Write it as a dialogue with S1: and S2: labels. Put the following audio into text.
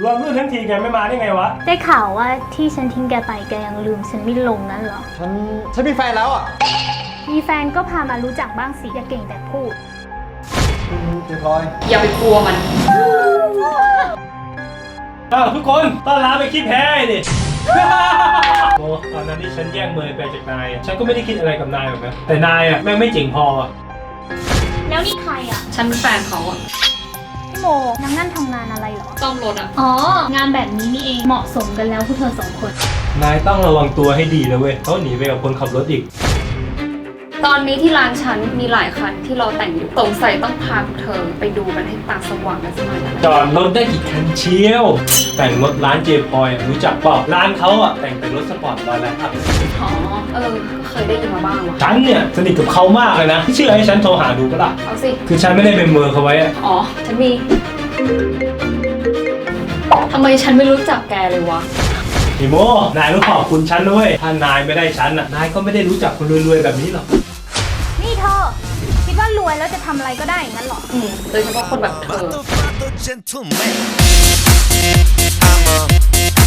S1: รวมรุ่นทั้งทีแกไม่มาได้ไงวะ
S2: ได้ข่าวว่าที่ฉันทิ้งแกไปแกยังลืมฉันไม่ลงนั่นเหรอ
S3: ฉันมีแฟนแล้วอ่ะ
S2: มีแฟนก็พามารู้จักบ้างสิอย่าเก่งแต่พูด
S3: เจ๊พลอย
S4: อย่าไปกลัวมัน
S1: ทุกคนต้อนรับไปคิดแพ้ดิโอ้ตอนนั้นที่ฉันแย่งเมยไปจากนายฉันก็ไม่ได้คิดอะไรกับนายหรอกนะแต่นายอ่ะแม่งไม่เจ๋งพอ
S2: แล้วนี่ใครอ่ะ
S4: ฉันเป็นแฟนเขาอะ
S2: พี่โมนางนั่นทำงานอะไรเหรอ
S4: ซ่อมรถอะ
S2: อ๋องานแบบนี้นี่เองเหมาะสมกันแล้วพวกเธอ2 คน
S1: นายต้องระวังตัวให้ดีนะเว้ยเขาหนีไปกับคนขับรถอีก
S4: ตอนนี้ที่ร้านฉันมีหลายคันที่เราแต่งอยู่สงสัยต้องพาเธอไปดูกันให้ตาสว่างกันสักหน่อยนะ
S1: จอดรถได้กี่คันเชียวแต่งรถร้านเจพอยรู้จักเปล่าร้านเขาอ่ะแต่งเป็นรถสปอร์ตบาร์แล้วครับ
S4: อ๋อก็เคยได้ยินมาบ้างว่ะ
S1: ฉันเนี่ยสนิทกับเขามากเลยนะที่เชื่อให้ฉันโทรหาดูก็ล่ะ
S4: เอาสิ
S1: คือฉันไม่ได้เป็นเมอร์เขาไว้อะ
S4: อ๋อฉันมีทำไมฉันไม่รู้จักแกเลยวะ
S1: พี่โมนายต้องขอบคุณฉันด้วยถ้านายไม่ได้ฉันอ่ะนายก็ไม่ได้รู้จักคนรวยๆแบบนี้หรอก
S2: นี่เธอคิดว่ารวยแล้วจะทำอะไรก็ได้อย่างนั้นหรอ
S4: โดยเฉพาะคนแบบเธอ